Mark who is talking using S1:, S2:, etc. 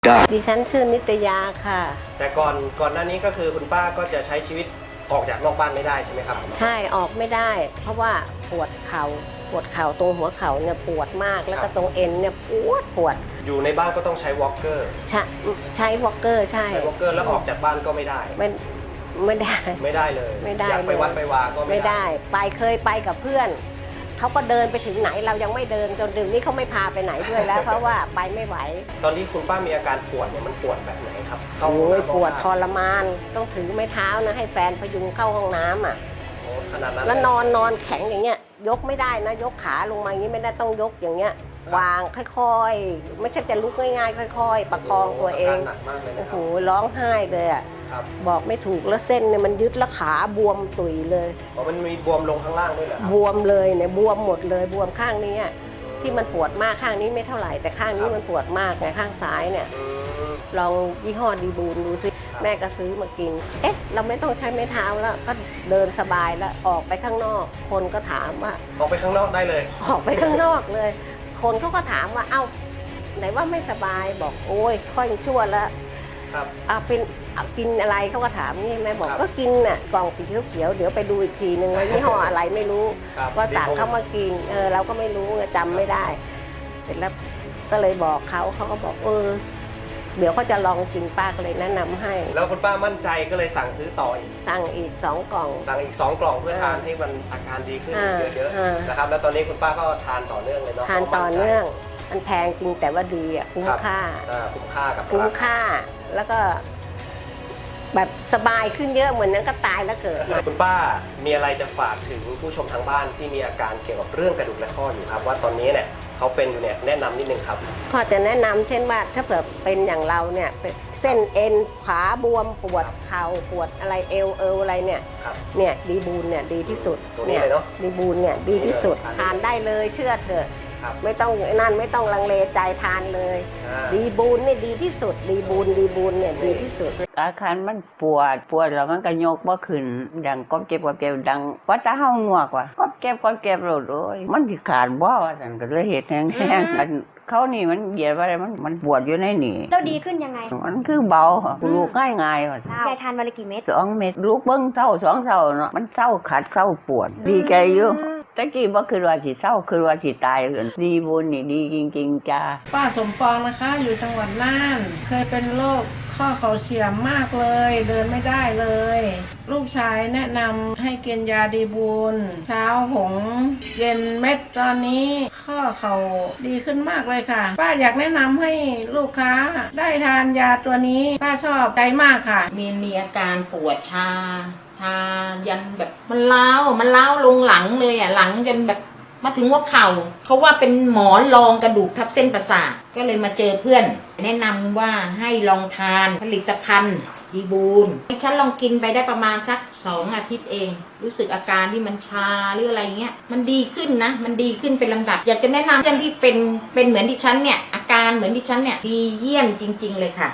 S1: ดิฉันชื่อนิตยาค่ะ
S2: แต่ก่อนหน้านี้ก็คือคุณป้าก็จะใช้ชีวิตออกจากนอกบ้านไม่ได้ใช่ไหมครับ
S1: ใช่ออกไม่ได้ เพราะว่าปวดเข่าตรงหัวเข่าเนี่ยปวดมากแล้วก็ตรงเอ็นเนี่ยปวด
S2: อยู่ในบ้านก็ต้องใช้วอล์กเกอร์
S1: ใช้วอล์กเกอร์ใช่
S2: วอล์กเกอร์แล้วออกจากบ้านก็ไม่ได้
S1: ไม่ได้
S2: เลย
S1: ไม่ได้
S2: อยากไปวัดไปวาก็ไม่ได้
S1: เคยไปกับเพื่อนเขาก็เดินไปถึงไหนเรายังไม่เดินจนถึงนี้เขาไม่พาไปไหนด้วยแล้ว เพราะว่าไปไม่ไหว
S2: ตอนที่คุณป้ามีอาการปวดเนี่ยมันปวดแบบไหนครับ
S1: โอ้ยปวดทรมานต้องถือไม้เท้านะให้แฟนพยุงเข้าห้องน้ำอ่ะ
S2: ขนาดนั้น
S1: แล้วนอนแข็งอย่างเงี้ยยกไม่ได้นะยกขาลงมาอย่างนี้ไม่ได้ต้องยกอย่างเงี้ยวางค่อยๆไม่ใช่จะลุกง่ายๆค่อยๆประคองตัวเองโอ้โหร้องไห้เลยอ่ะบอกไม่ถูกแล้วเส้นเนี่ยมันยึดแล้วขาบวมตุยเลย
S2: มันมีบวมลงข้างล่างด้วยเหรอบ
S1: วมเลยเนี่ยบวมหมดเลยบวมข้างนี้ที่มันปวดมากข้างนี้ไม่เท่าไหร่แต่ข้างนี้มันปวดมากไงข้างซ้ายเนี่ยลองยี่ห้อดีบูนดูซิแม่ก็ซื้อมากินเราไม่ต้องใช้ไม้เท้าแล้วก็เดินสบายแล้วออกไปข้างนอกคนก็ถามว่า
S2: ออกไปข้างนอกได้เลย
S1: ออกไปข้างนอกเลยคนเขาก็ถามว่าเอ้าไหนว่าไม่สบายบอกโอ้ยค่อยชั่วแล้วเอากินอะไรเขาก็ถามนี่แม่บอกก็กินน่ะกล่องสีเขียวๆเดี๋ยวไปดูอีกทีนึงว่ายี่ห้ออะไรไม่รู้ว่าสั่งเขามากินเราก็ไม่รู้จำไม่ได้เสร็จแล้วก็เลยบอกเขาก็บอกเดี๋ยวเขาจะลองกินป้าก็เลยแนะนำให้
S2: แล้วคุณป้ามั่นใจก็เลยสั่งซื้อต่ออีก
S1: สั่งอีก2 กล่อง
S2: เพื่อทานให้มันอาการดีขึ้นเยอะๆนะครับแล้วตอนนี้คุณป้าก็ทานต่อเนื่องเลยเนาะ
S1: ทานต่อเนื่องมันแพงจริงแต่ว่าดีคุ้มค่า
S2: กับ
S1: คุ้มค่าแล้วก็แบบสบายขึ้นเยอะเหมือนนั้นก็ตายแล้วเกิด
S2: คุณป้ามีอะไรจะฝากถึงผู้ชมทางบ้านที่มีอาการเกี่ยวกับเรื่องกระดูกและข้ออยู่ครับว่าตอนนี้เนี่ยเขาเป็นอยู่เนี่ยแนะนำนิดนึงครับ
S1: พอจะแนะนำเช่นว่าถ้าเผื่อเป็นอย่างเราเนี่ยเป็นเส้นเอ็นขาบวมปวดเข่าปวดอะไรเอวอะไรเนี่ยดีบูนเนี่ยดีที่สุด
S2: เนี่ย
S1: ดีบูนเนี่ยดีที่สุดทานได้เลยเชื่อเถอะไม่ต้องไม่ต้องลังเลใจทานเลยดีบูนนี่ดีที่สุดดีบูนเนี่ยดีที่สุด
S3: อาการมันปวดแล้วมันก็ยกบ่ขึ้นดังก้มเจ็บดังว่าตาเฮาหนวกว่ะก้มเจ็บโลดโอ้ยมันสิขาดบ่ว่าซั่นก็เลยเฮ็ดแห้งกันเขานี่มันเหยียดอะไรมันปวดอยู่ในนี่
S4: แล้วดีขึ้นยังไง
S3: มันคือเบาลูกง่ายว่ะ
S4: ยายทานวันละกี่เม็ด
S3: 2 เม็ดลูกเบิ่งเช้า2 เช้าเนาะมันเช้าขัดเช้าปวดดีใจอยู่ตะกี้บ่คือว่าสิเศร้าคือว่าสิตายเอิ้นดีบุญนี่ดีจริงๆจ้า
S5: ป้าสมปองนะคะอยู่จังหวัดน่านเคยเป็นโรคข้อเข่าเฉียบมากเลยเดินไม่ได้เลยลูกชายแนะนำให้กินยาดีบุญเช้าผงเย็นเม็ดตอนนี้ข้อเข่าดีขึ้นมากเลยค่ะป้าอยากแนะนำให้ลูกค้าได้ทานยาตัวนี้ป้าชอบใจมากค่ะ
S6: มีอาการปวดชายันแบบมันเล้าลงหลังเลยหลังจนแบบมาถึงหัวเข่าเขาว่าเป็นหมอนรองกระดูกทับเส้นประสาทก็เลยมาเจอเพื่อนแนะนำว่าให้ลองทานผลิตภัณฑ์ดีบูนฉันลองกินไปได้ประมาณสัก2 อาทิตย์เองรู้สึกอาการที่มันชาหรืออะไรเงี้ยมันดีขึ้นนะมันดีขึ้นเป็นลำดับอยากจะแนะนำเพื่อนที่เป็นเหมือนดิฉันเนี่ยอาการเหมือนดิฉันเนี่ยดีเยี่ยมจริงๆเลยค่ะ